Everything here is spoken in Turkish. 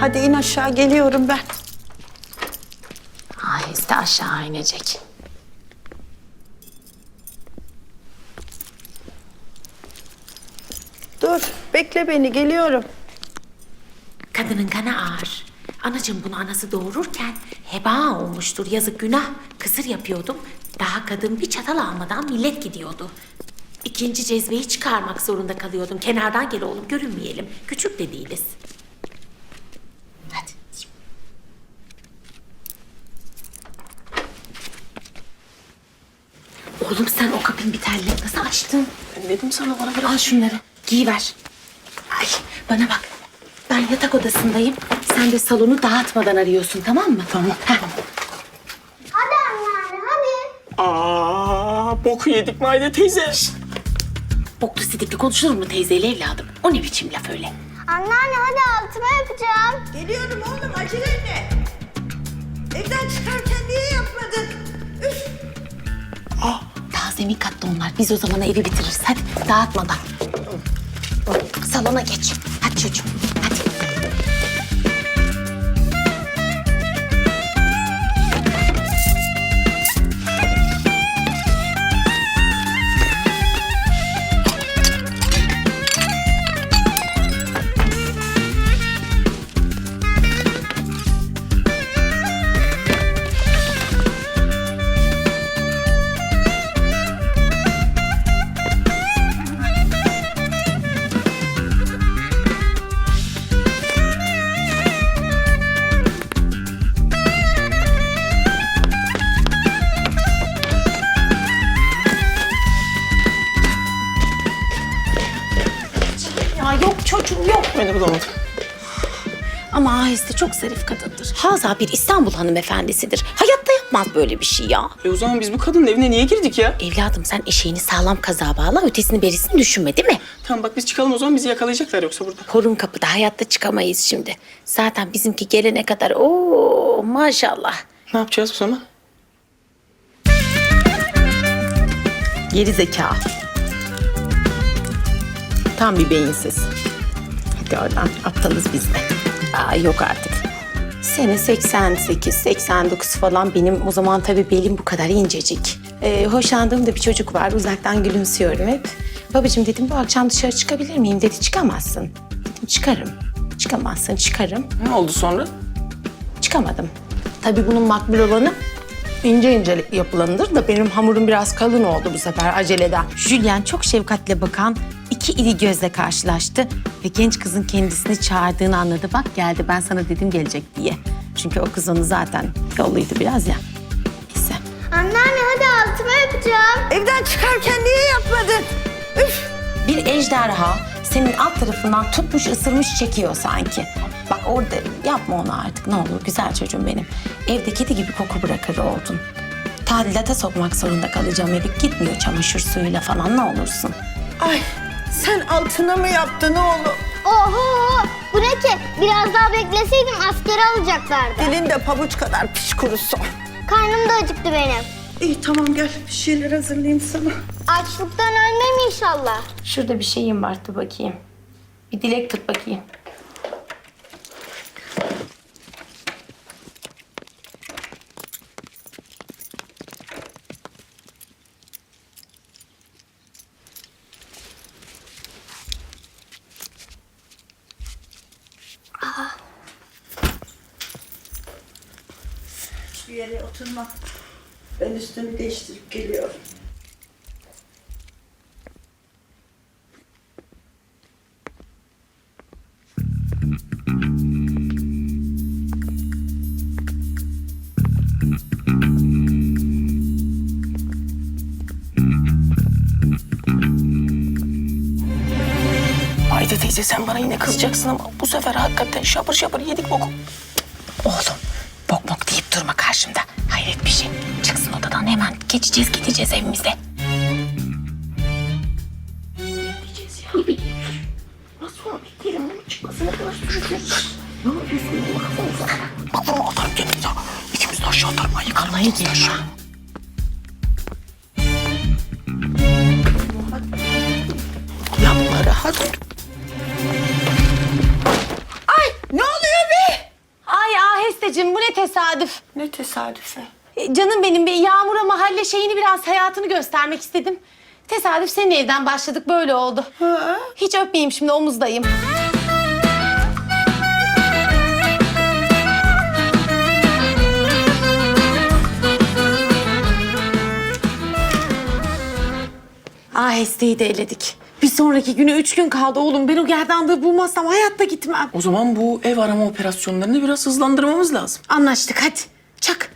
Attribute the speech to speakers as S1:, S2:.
S1: Hadi in aşağı, geliyorum ben.
S2: Aheste aşağı inecek.
S1: Dur, bekle beni, geliyorum.
S2: Kadının kanı ağır. Anacığım bunu anası doğururken heba olmuştur. Yazık günah. Kısır yapıyordum. Daha kadın bir çatal almadan millet gidiyordu. İkinci cezveyi çıkarmak zorunda kalıyordum. Kenardan gel oğlum, görünmeyelim. Küçük de değiliz. Hadi. Oğlum sen o kapıyı bir telle nasıl açtın?
S3: Ben dedim sana, bana bırak.
S2: Al şunları, giyiver. Ay, bana bak. Ben yatak odasındayım. Sen de salonu dağıtmadan arıyorsun, tamam mı?
S3: Tamam.
S4: Hadi anneanne hadi.
S3: Boku yedik Maide teyze.
S2: Boklu sidikli konuşulur mu teyzeyle evladım? O ne biçim laf öyle?
S4: Anneanne hadi altıma yapacağım.
S1: Geliyorum oğlum, acele etme. Evden çıkarken niye yapmadın? Üf!
S2: Daha zemin katta onlar. Biz o zaman evi bitiririz. Hadi dağıtmadan. Salona geç. Hadi çocuğum, hadi. Ya yok çocuğum yok.
S3: Beni bulamadım.
S2: Ama Aheste çok zarif kadındır. Haza bir İstanbul hanımefendisidir. Hayatta yapmaz böyle bir şey ya.
S3: O zaman biz bu kadının evine niye girdik ya?
S2: Evladım sen eşeğini sağlam kazağa bağla, ötesini berisini düşünme değil mi?
S3: Tamam bak, biz çıkalım o zaman, bizi yakalayacaklar yoksa burada.
S2: Korun kapıda, hayatta çıkamayız şimdi. Zaten bizimki gelene kadar ooo maşallah.
S3: Ne yapacağız bu zaman?
S1: Geri zeka. Tam bir beyinsiz. Hadi oradan, aptalız biz de.
S2: Aa, yok artık. Sene 88, 89 falan benim o zaman tabii belim bu kadar incecik. Hoşlandığım da bir çocuk var, uzaktan gülümsüyorum hep. Babacığım dedim bu akşam dışarı çıkabilir miyim? Dedi çıkamazsın. Dedim çıkarım. Çıkamazsın, çıkarım.
S3: Ne oldu sonra?
S2: Çıkamadım. Tabii bunun makbul olanı ince ince yapılanıdır da benim hamurum biraz kalın oldu bu sefer aceleden. Julian çok şefkatle bakan iki iri gözle karşılaştı ve genç kızın kendisini çağırdığını anladı. Bak geldi, ben sana dedim gelecek diye. Çünkü o kız onu zaten yolluydu biraz ya. Neyse.
S4: Anneanne hadi altıma yapacağım.
S1: Evden çıkarken niye yapmadın? Üf!
S2: Bir ejderha senin alt tarafından tutmuş ısırmış çekiyor sanki. Bak orada yapma onu artık ne olur güzel çocuğum benim. Evde kedi gibi koku bırakır oldun. Tadilata sokmak zorunda kalacağım evi. Gitmiyor çamaşır suyuyla falan ne olursun.
S1: Ay, sen altına mı yaptın oğlum?
S4: Oho bu ne ki? Biraz daha bekleseydim askere alacaklardı.
S1: Dilin de pabuç kadar piş kurusu.
S4: Karnım da acıktı benim.
S1: İyi tamam, gel bir şeyler hazırlayayım sana.
S4: Açlıktan ölmem inşallah.
S2: Şurada bir şeyim var dur bakayım. Bir dilek tut bakayım.
S1: Bir yere oturma. Ben üstümü değiştirip geliyorum.
S3: Maide teyze sen bana yine kızacaksın ama bu sefer hakikaten şapır şapır yedik boku.
S2: Oğlum bok bok deyip durma karşımda. Hayret bir şey. Çıksın odadan hemen geçeceğiz gideceğiz evimize.
S3: Bak bunu atarım kendimize. İkimiz de aşağı atarım. Ben yıkarım.
S2: Vallahi gelme.
S3: Yapma rahat ol.
S1: Ay, ne oluyor be?
S2: Anneciğim bu ne tesadüf.
S1: Ne tesadüfe.
S2: Canım benim, bir Yağmur'a mahalle şeyini, biraz hayatını göstermek istedim. Tesadüf senin evden başladık, böyle oldu.
S1: Ha?
S2: Hiç öpmeyeyim şimdi, omuzdayım. Ahesteyi de eledik. Bir sonraki günü 3 gün kaldı oğlum. Ben o gerdanlığı bulmazsam hayatta gitmem.
S3: O zaman bu ev arama operasyonlarını biraz hızlandırmamız lazım.
S2: Anlaştık, hadi. Çak.